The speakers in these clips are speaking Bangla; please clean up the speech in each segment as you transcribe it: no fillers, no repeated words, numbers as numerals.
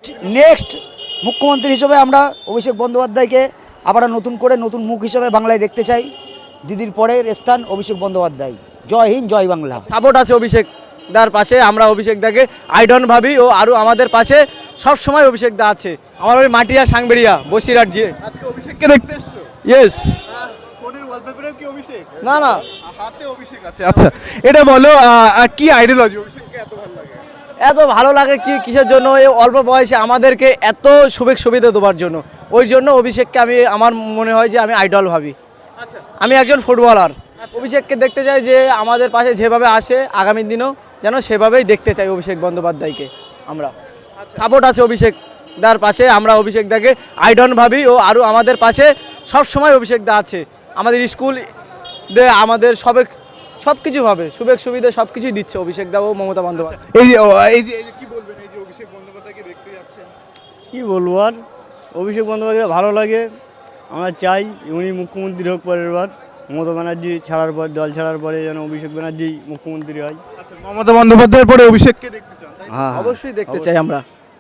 নেক্সট মুখ্যমন্ত্রী হিসেবে আমরা অভিষেক বন্দ্যোপাধ্যায়কে আবার নতুন করে নতুন মুখ হিসেবে বাংলায় দেখতে চাই। দিদির পরের স্থান অভিষেক বন্দ্যোপাধ্যায়। জয় হিন্দ, জয় বাংলা। সাপোর্ট আছে অভিষেক দার পাশে, আমরা অভিষেক দাকে আইডন ভাবি ও আরও আমাদের পাশে সব সময় অভিষেক দা আছে। আমার ওই মাটিয়া সাংবেরিয়া বসিরহাট যে আজকে অভিষেককে দেখতে এসছো? ইয়েস। ফোনের ওয়ালপেপারেও কি অভিষেক? না না, হাতে অভিষেক আছে। আচ্ছা, এটা বলো কি আইডিয়োলজি অভিষেককে এত ভালো লাগে? এত ভালো লাগে কি কিসের জন্য? এই অল্প বয়সে আমাদেরকে এত সুবিধা দেওয়ার জন্য, ওই জন্য অভিষেককে আমার মনে হয় যে আমি আইডল ভাবি। আচ্ছা, আমি একজন ফুটবলার, অভিষেককে দেখতে চাই যে আমাদের পাশে যেভাবে আসে আগামী দিনেও যেন সেভাবেই দেখতে চাই অভিষেক বন্দ্যোপাধ্যায়কে। আমরা সাপোর্ট আছে অভিষেক দার পাশে, আমরা অভিষেক দাকে আইডন ভাবি ও আরও আমাদের পাশে সব সময় অভিষেক দা আছে। আমাদের স্কুল আমাদের সব কিছুভাবে সুবিধা সব কিছুই দিচ্ছে অভিষেক দা ও মমতা বন্দ্যোপাধ্যায়। এই যে কি বলবেন, এই যে অভিষেক বন্দ্যোপাধ্যায়কে দেখতে যাচ্ছেন? কি বলবো আর, অভিষেক বন্দ্যোপাধ্যায় ভালো লাগে। আমরা চাই উনি মুখ্যমন্ত্রী হোক পরের বার। মমতা ব্যানার্জি ছাড়ার পর, দল ছাড়ার পরে যেন অভিষেক ব্যানার্জি মুখ্যমন্ত্রী হয়। আচ্ছা, মমতা বন্দ্যোপাধ্যায়ের পরে অভিষেককে দেখতে চান? হ্যাঁ, অবশ্যই দেখতে চাই আমরা।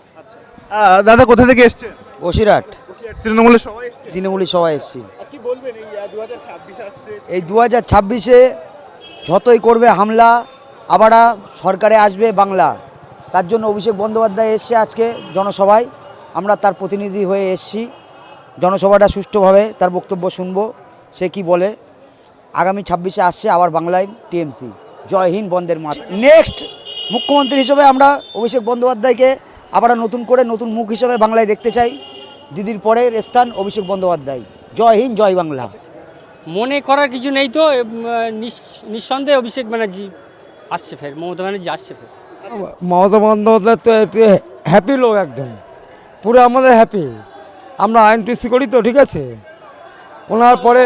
দাদা কোথা থেকে এসছেন? বসিরহাট তৃণমূলের সবাই এসছে? তৃণমূলী সবাই এসেছি। কি বলবেন, এই 2026 আসছে? এই 2026-এ যতই করবে হামলা, আবার সরকারে আসবে বাংলা, তার জন্য অভিষেক বন্দ্যোপাধ্যায় এসছে আজকে জনসভায়। আমরা তার প্রতিনিধি হয়ে এসেছি। জনসভাটা সুষ্ঠুভাবে তার বক্তব্য শুনবো, সে কি বলে। আগামী 26-এ আসছে আবার বাংলায় টিএমসি। জয় হিন্দ, বন্দের মাত। নেক্সট মুখ্যমন্ত্রী হিসেবে আমরা অভিষেক বন্দ্যোপাধ্যায়কে আবার নতুন করে নতুন মুখ হিসেবে বাংলায় দেখতে চাই। দিদির পরের স্থান অভিষেক বন্দ্যোপাধ্যায়। জয় হিন্দ, জয় বাংলা। মনে করার কিছু নেই তো, নিঃসন্দেহে অভিষেক ব্যানার্জি আসছে, ফের মমতা ব্যানার্জি আসছে ফের। মমতা বন্দ্যোপাধ্যায় তো হ্যাপি লোক, একদম পুরো আমাদের হ্যাপি। আমরা আইএনটিসি করি তো, ঠিক আছে। ওনার পরে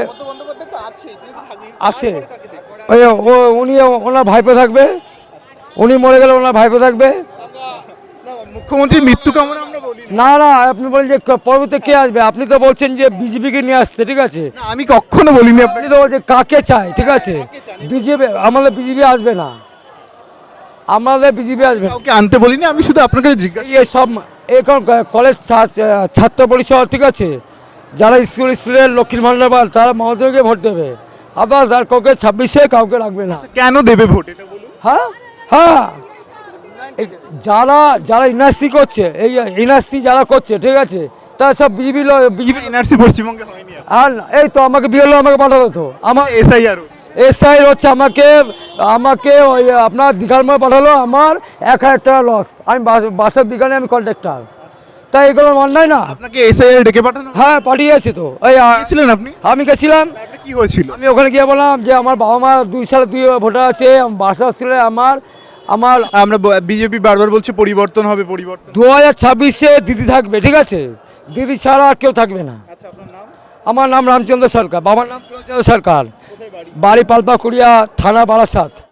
আছে ওই উনি ওনার ভাইপো থাকবে, উনি মরে গেলে ওনার ভাইপো থাকবে। মুখ্যমন্ত্রীর মৃত্যু কামনা আমরা বলি না না, আপনি বলেন যে পরবর্তীতে কে আসবে, আপনি তো বলছেন যে বিজেপিকে নিয়ে আসতে, ঠিক আছে। না, আমি কখনো বলিনি। আপনি তো বলছেন কাকে চাই, ঠিক আছে। বিজেপি, আমাদের বিজেপি আসবে না, আমাদের বিজেপি আসবে না। কাউকে আনতে বলিনি, আমি শুধু আপনাকে জিজ্ঞাসা। এই সব এখন কলেজ ছাত্র পরিষদ, ঠিক আছে, যারা স্কুল স্টুডেন্ট লক্ষ্মীর ভান্ডার পান, তারা মমতাকে ভোট দেবে। আবার যার কাউকে 26-এ কাউকে রাখবে না। কেন দেবে ভোট, এটা বলুন। হ্যাঁ হ্যাঁ, যারা যারা এনআরসি করছে, এই এনআরসি যারা করছে, ঠিক আছে, তারা সব বিজেপি। এনআরসি পশ্চিমবঙ্গে হয়নি। আর এই তো আমাকে বিএলও আমাকে পাঠালো তো, আমার এসআইআর এসআই হচ্ছে আমাকে ওই আপনার দীঘার মধ্যে পাঠালো, আমার 1000 টাকা লস। আমি বাসের বিজ্ঞানে আমি কন্ট্রাক্টর, তাই এগুলো অন্যায় না। আপনাকে এসআইআর ডেকে পাঠানো? হ্যাঁ, পাঠিয়েছি তো। এই ছিলেন আপনি? আমি গেছিলাম। কি হয়েছিল? আমি ওখানে গিয়ে বললাম যে আমার বাবা মা 2 সালে 2 ভোটার আছে, বাসা ছিল আমার। আমরা বিজেপি বারবার বলছে পরিবর্তন হবে, পরিবর্তন। 2026-এ দিদি থাকবে, ঠিক আছে। দিদি ছাড়া আর কেউ থাকবে না। আচ্ছা, আপনার নাম? আমার নাম রামচন্দ্র সরকার, বাবার নাম রামচন্দ্র সরকার, বাড়ি পালপাকুড়িয়া, থানা বারাসাত।